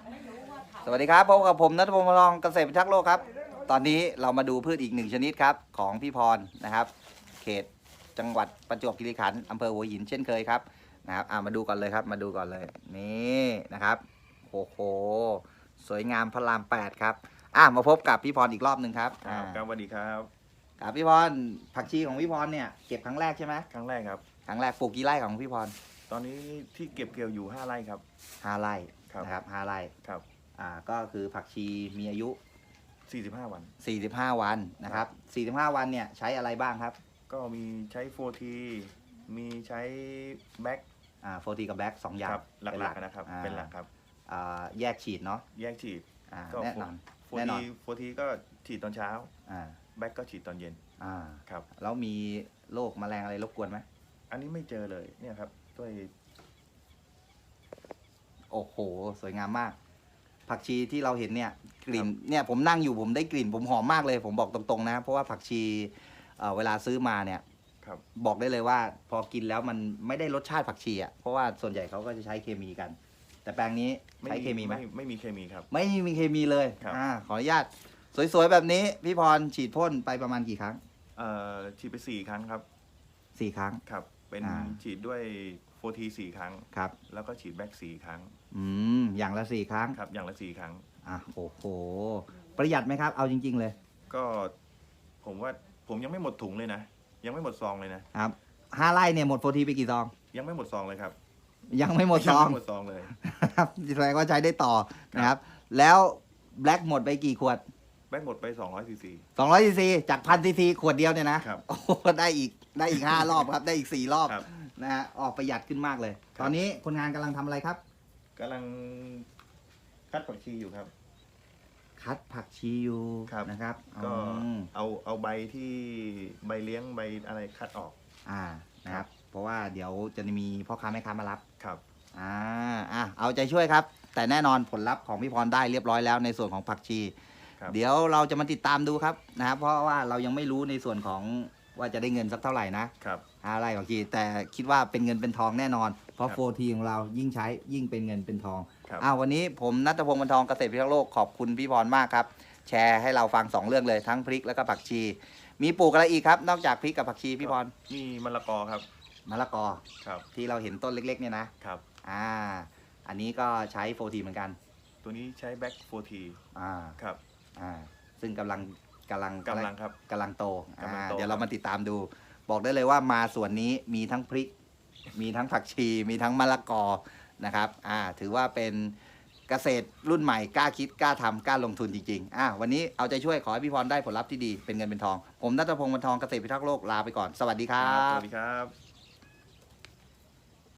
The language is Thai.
สวัสดีครับพบกับผมณัฐพงศ์ พลองเกษตรพิทักษ์โลกครับตอนนี้เรามาดูพืชอีกหนึ่งชนิดครับของพี่พรนะครับเขตจังหวัดประจวบคีรีขันธ์อำเภอหัวหินเช่นเคยครับนะครับมาดูก่อนเลยครับมาดูก่อนเลยนี่นะครับโอ้โหสวยงามพระราม8ครับมาพบกับพี่พรอีกรอบหนึ่งครับครับสวัสดีครับครับพี่พรผักชีของพี่พรเนี่ยเก็บครั้งแรกใช่ไหมครั้งแรกครับครั้งแรกปลูกกี่ไร่ของพี่พรตอนนี้ที่เก็บเกี่ยวอยู่5 ไร่ครับ 5 ไร่ครับนะครับ5 ไร่ครับก็คือผักชีมีอายุ 45 วัน 45 วันนะครับ45 วันเนี่ยใช้อะไรบ้างครับก็มีใช้โฟทีมีใช้แบ็กโฟทีกับแบ็ก2 อย่างหลักๆนะครับเป็นหลักครับแยกฉีดเนาะแยกฉีดก็แน่นอนโฟทีก็ฉีดตอนเช้าแบ็กก็ฉีดตอนเย็นครับแล้วมีโรคแมลงอะไรรบกวนไหมอันนี้ไม่เจอเลยเนี่ยครับด้วยโอ้โหสวยงามมากผักชีที่เราเห็นเนี่ยกลิ่นเนี่ยผมนั่งอยู่ผมได้กลิ่นผมหอมมากเลยผมบอกตรงๆนะเพราะว่าผักชีเวลาซื้อมาเนี่ยบอกได้เลยว่าพอกินแล้วมันไม่ได้รสชาติผักชีอ่ะเพราะว่าส่วนใหญ่เขาก็จะใช้เคมีกันแต่แปลงนี้ใช้เคมีไหมไม่มีเคมีครับไม่มีเคมีเลยขออนุญาตสวยๆแบบนี้พี่พรฉีดพ่นไปประมาณกี่ครั้งฉีดไป4 ครั้งครับ 4 ครั้งครับเป็นฉีดด้วยโฟที4 ครั้งครับแล้วก็ฉีดแบ็ก4 ครั้งอย่างละ4 ครั้งครับอย่างละ4 ครั้งโอ้โหประหยัดไหมครับเอาจริงๆเลยก็ผมว่าผมยังไม่หมดถุงเลยนะยังไม่หมดซองเลยนะครับ5 ไร่เนี่ยหมดโฟทีไปกี่ซองยังไม่หมดซองเลยครับยังไม่หมดซองเลยครับแสดงว่าใช้ได้ต่อนะครับแล้วแบล็กหมดไปกี่ขวดแบ็กหมดไป200 ซีซี 200 ซีซีจาก1,000 ซีซีขวดเดียวเนี่ยนะครับโอ้ได้อีก5 รอบครับได้อีก4 รอบนะฮะออกประหยัดขึ้นมากเลยตอนนี้คนงานกำลังทำอะไรครับกำลังคัดผักชีอยู่ครับคัดผักชีอยู่นะครับก็เอาใบที่ใบเลี้ยงใบอะไรคัดออกนะครับเพราะว่าเดี๋ยวจะมีพ่อค้าแม่ค้ามารับครับเอาใจช่วยครับแต่แน่นอนผลลัพธ์ของพี่พรได้เรียบร้อยแล้วในส่วนของผักชีเดี๋ยวเราจะมาติดตามดูครับนะครับเพราะว่าเรายังไม่รู้ในส่วนของว่าจะได้เงินสักเท่าไหร่นะครับอะไรผักชีแต่คิดว่าเป็นเงินเป็นทองแน่นอนเพราะโฟทีของเรายิ่งใช้ยิ่งเป็นเงินเป็นทองวันนี้ผมณัฐพงศ์ บรรทองเกษตรพิทักษ์โลกขอบคุณพี่พรมากครับแชร์ให้เราฟัง2 เรื่องเลยทั้งพริกแล้วก็ผักชีมีปลูกอะไรอีกครับนอกจากพริกกับผักชีพี่พรมีมะละกอครับมะละกอครับที่เราเห็นต้นเล็กๆเนี่ยนะครับอันนี้ก็ใช้โฟทีเหมือนกันตัวนี้ใช้แบ็กโฟทีครับซึ่งกำลังครับกำลังโตเดี๋ยวเรามาติดตามดูบอกได้เลยว่ามาส่วนนี้มีทั้งพริกมีทั้งผักชีมีทั้งมะละกอนะครับถือว่าเป็นเกษตรรุ่นใหม่กล้าคิดกล้าทำกล้าลงทุนจริงๆวันนี้เอาใจช่วยขอให้พี่พรได้ผลลัพธ์ที่ดีเป็นเงินเป็นทองผมณัฐพงศ์ บรรทองเกษตรพิทักษ์โลกลาไปก่อนสวัสดีครับสวัสดีครับ